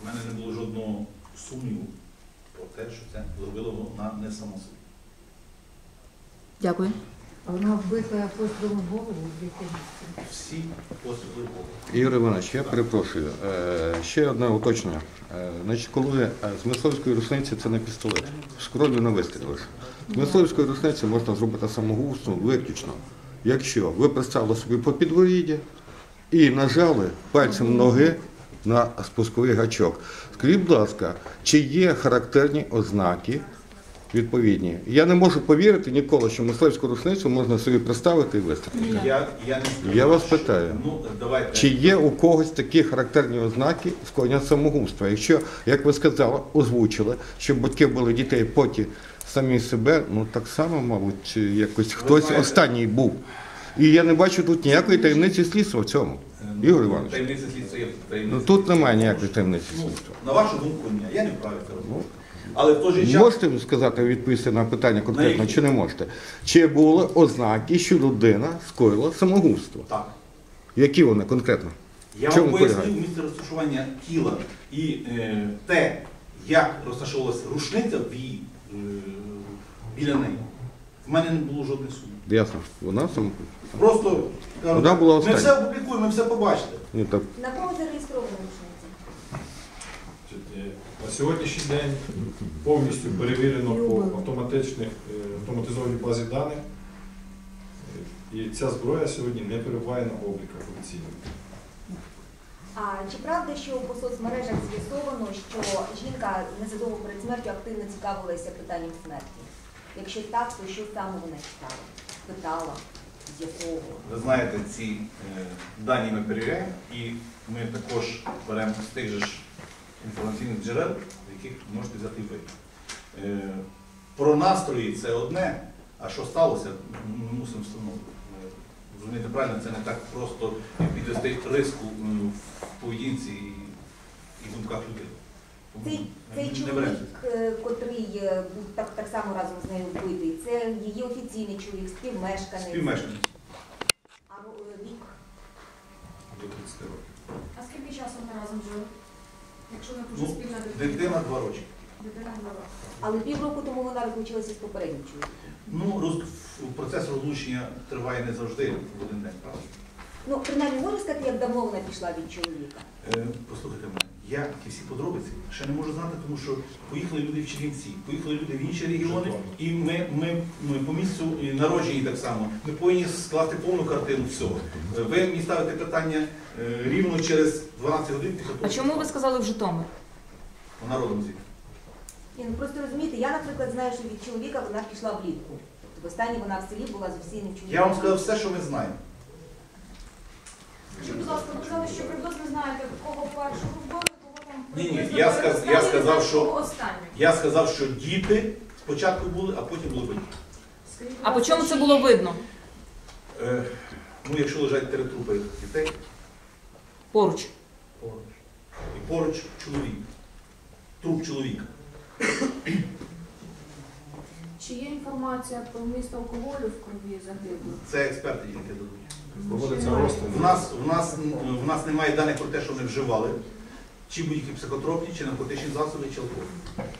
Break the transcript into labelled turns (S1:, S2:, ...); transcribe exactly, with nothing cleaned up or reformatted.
S1: мене не було жодного сумніву про те, що це зробило вона не само собі.
S2: Дякую.
S3: А вона вбита пострілом в голову в дитинстві.
S1: Всі постріли в голову.
S4: Ігор Іванович, я перепрошую. Е, Ще одне уточнення. Е, Значить, коли е, з мисливської рушниці це не пістолет, з кров'ю не вистрілиш. З мисливської рушниці можна зробити самогубство виключно, якщо ви приставили собі по підворідді і нажали пальцем ноги на спусковий гачок. Скажіть, будь ласка, чи є характерні ознаки відповідні? Я не можу повірити ніколи, що мисливську рушницю можна собі приставити і вистрілити.
S1: Я, я, не скажу,
S4: Я вас
S1: що-
S4: питаю.
S1: Ну, давайте.
S4: Чи є у когось такі характерні ознаки скоєння самогубства? Якщо, як ви сказали, озвучили, що батьки були дітей, потім самі себе, ну так само, мабуть, якось хтось
S1: знаєте-
S4: останній був. І я не бачу тут ніякої таємниці слідства в цьому.
S1: Ну,
S4: Ігор Іванович,
S1: таємниця слідства є таємниця.
S4: ну тут немає ніякої таємниці
S1: Ну,
S4: слідства.
S1: на вашу думку, ні. Я не вправі це робити. Але в той же час...
S4: Можете сказати, відповісти на питання конкретно,
S1: які?
S4: чи не можете? Чи були ознаки, що людина скоїла самогубство?
S1: Так.
S4: Які вони конкретно?
S1: Я
S4: В чому
S1: вам пояснив
S4: полягає?
S1: місце розташування тіла і е, те, як розташовувалася рушниця в її, е, біля неї. В мене не було жодних сумнів.
S4: Ясно. Вона самогубство.
S1: Просто кажу,
S4: Вона була
S1: ми
S4: остання.
S1: все опублікуємо, ми все побачите.
S4: Ну, так,
S5: На кого зареєстрована рушниця?
S6: На сьогоднішній день повністю перевірено по автоматичних, е, автоматизованій базі даних. Е, І ця зброя сьогодні не перебуває на обліках офіційно.
S5: А чи правда, що по соцмережах з'ясовано, що жінка незадовго перед смертю активно цікавилася питанням смерті? Якщо так, то що саме вона читала? Питала, з'ясовувала?
S1: Ви знаєте, ці е, дані ми перевіряємо і ми також беремо з тих же ж інформаційних джерел, з яких можете взяти ви. Е, про настрої це одне, а що сталося, ми мусимо встановити. Е, Розумієте, правильно, це не так просто підвести риску м, в поведінці і, і думках людей. Тому
S5: Цей,
S1: ми
S5: цей
S1: не
S5: чоловік,
S1: беремося.
S5: е, котрий е, був так, так само разом з нею вбитий, це її офіційний чоловік, співмешканець.
S1: Співмешканець.
S5: А е, вік?
S6: До тридцяти років.
S7: А скільки часу вони разом жили? Якщо не дуже
S1: Ну,
S7: спільна дитина?
S1: Дитина два роки.
S7: Дитина два роки.
S5: Але півроку тому вона розлучилася з попереднім чоловіком.
S1: Ну, роз... процес розлучення триває не завжди в один день, правда?
S5: Ну, принаймні, можу сказати, як давно вона пішла від чоловіка?
S1: Е, послухайте мене, я ті всі подробиці ще не можу знати, тому що поїхали люди в Чернівці, поїхали люди в інші регіони, і ми, ми, ми по місцю і народжені так само, ми повинні скласти повну картину всього. Е, Ви мені ставите питання е, рівно через дванадцять годин після того.
S2: А чому ви сказали в Житомир?
S1: Вона родом звідти.
S5: Ні, ну просто розумієте, я, наприклад, знаю, що від чоловіка вона пішла влітку. Тобто востаннє вона в селі була з офіційним чоловіком.
S1: Я вам сказав все, що ми знаємо.
S7: Скажіть, будь ласка, ви казали, що приблизно знаєте, кого першого вбили, кого там
S1: Ні, ні,
S7: приблизно
S1: я
S7: були
S1: сказ-
S7: останні,
S1: я сказав, що-
S7: кого останні.
S1: Я сказав, що діти спочатку були, а потім були батьки.
S7: Скажіть, будь
S2: А по
S7: ласка,
S2: чому це
S7: чи-
S2: було видно?
S1: Е, ну, якщо лежать три трупи дітей,
S2: Поруч.
S1: поруч. І поруч чоловік. Труп чоловіка.
S7: Чи є інформація про вміст алкоголю в крові загиблих?
S1: Це експерти тільки дадуть.
S6: Проводиться розтин.
S1: В нас, в, нас, в нас немає даних про те, що вони вживали, чи будь-які психотропні, чи наркотичні засоби, чи алкоголь.